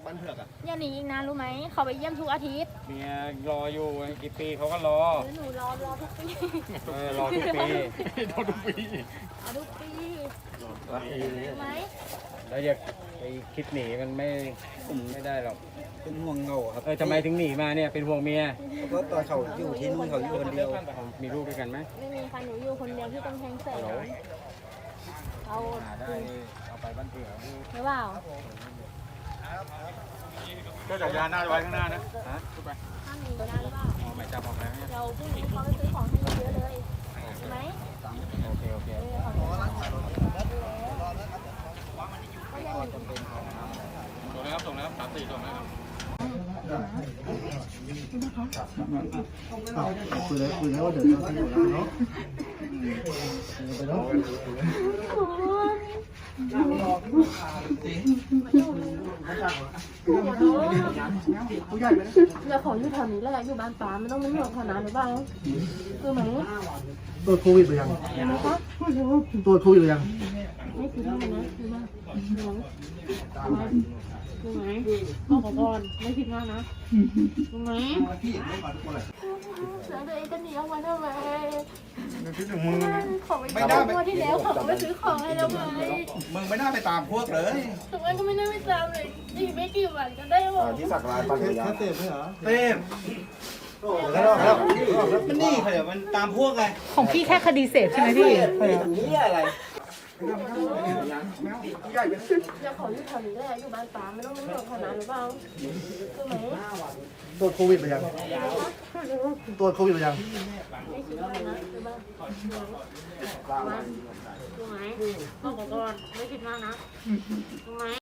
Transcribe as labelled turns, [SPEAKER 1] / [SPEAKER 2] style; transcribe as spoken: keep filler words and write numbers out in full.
[SPEAKER 1] ปั้นเผือกอ่ะ
[SPEAKER 2] อย่าหนีอีกนะรู้ไหมเขาไปเยี่ยมทุกอาทิตย์
[SPEAKER 3] เมียรออยู่กี่ปีเขาก็รอ
[SPEAKER 2] หรือหนูรอรอทุกปี
[SPEAKER 3] เออรอทุกปี
[SPEAKER 1] รอทุกปี
[SPEAKER 2] รอทุกปี
[SPEAKER 3] รอทุกปี
[SPEAKER 2] รู้ไหม
[SPEAKER 3] แล้วอย่าไปคิดหนีมันไม่ไม่ได้หรอก
[SPEAKER 4] เป็นห่วงเหงาครับ
[SPEAKER 3] เออทำไมถึงหนีมาเนี่ยเป็นห่วงเมีย
[SPEAKER 4] เพราะตอนเขาอยู่ที่นู่นเขาอยู่คนเดียว
[SPEAKER 3] มีลูกด้วยกันไหม
[SPEAKER 2] ไม่มีใครหนูอยู่คนเดียวที่ต้องแทงแสงเอา
[SPEAKER 3] หาได้เอาไปบ้านเผือก
[SPEAKER 2] หรือเปล่า
[SPEAKER 1] ก็จักรยานหน้าไว้ข้างหน้านะ
[SPEAKER 3] ฮะ
[SPEAKER 2] ห้ามหนีนะหรือเปล่า
[SPEAKER 3] อ๋อหมายจับออกแล้วเนี่ย
[SPEAKER 2] เดี๋ยวพรุ่งนี้เขาไปซื้อของให้เยอะๆเลยใช่ไหม
[SPEAKER 3] โอเคโอเค
[SPEAKER 2] เออขอบคุณค่ะก็อย่าหนี
[SPEAKER 1] ส่งนะครับส่งนะครับสามสี่ส่งนะครับ
[SPEAKER 4] คุยเลยคุยแล้วว่าเดี๋ยวจะอยู่แล้วเนาะไปเนาะ
[SPEAKER 2] อย่าขออยู่แถวนี้แหละอยู่บ้านป้าไม่ต้องเป็นห่วงขนาดหรือเปล่าคือไหม
[SPEAKER 4] ตรวจโควิดหรือยัง
[SPEAKER 2] ใช่ไหมคะ
[SPEAKER 4] ตรวจโควิดหรือยัง
[SPEAKER 2] ไม่คิดว่านะคือว่าคือไหมบอกก่อนไม่คิดว่านะคือไหมแล้วตัวเองจะหนีออกมาทำไมของไม่ได้เมื่อที่แล้วเขาไปซื้อของให้เราไง
[SPEAKER 1] มึงไม่น่าไปตามพวกเลย
[SPEAKER 2] ทำไมก็ไม่ได้ไปตามเลยอีกไม่กี่วันก็ได้หมด
[SPEAKER 1] ที่สักลายปั้นเผือก
[SPEAKER 4] แค่เสพไหมเหรอ
[SPEAKER 1] เต้มแล้วแล้วมันนี่ใครอ่ะมันตามพวกไง
[SPEAKER 5] ของพี่แค่คดีเสพใช่ไหมพี่
[SPEAKER 1] นี่อะไร
[SPEAKER 2] อย่าขออยู่แถวนี้แหละอยู่บ้านป้าไม่ต้องเป็นห่วงขนาดหรือเปล่าคือไหม
[SPEAKER 4] ตรวจโควิดหรือยังตรวจโควิดหรือยัง
[SPEAKER 2] ไม่คิดว่านะคือบ้านคือไหมบอกก่อนไม่คิดว่านะคือไหม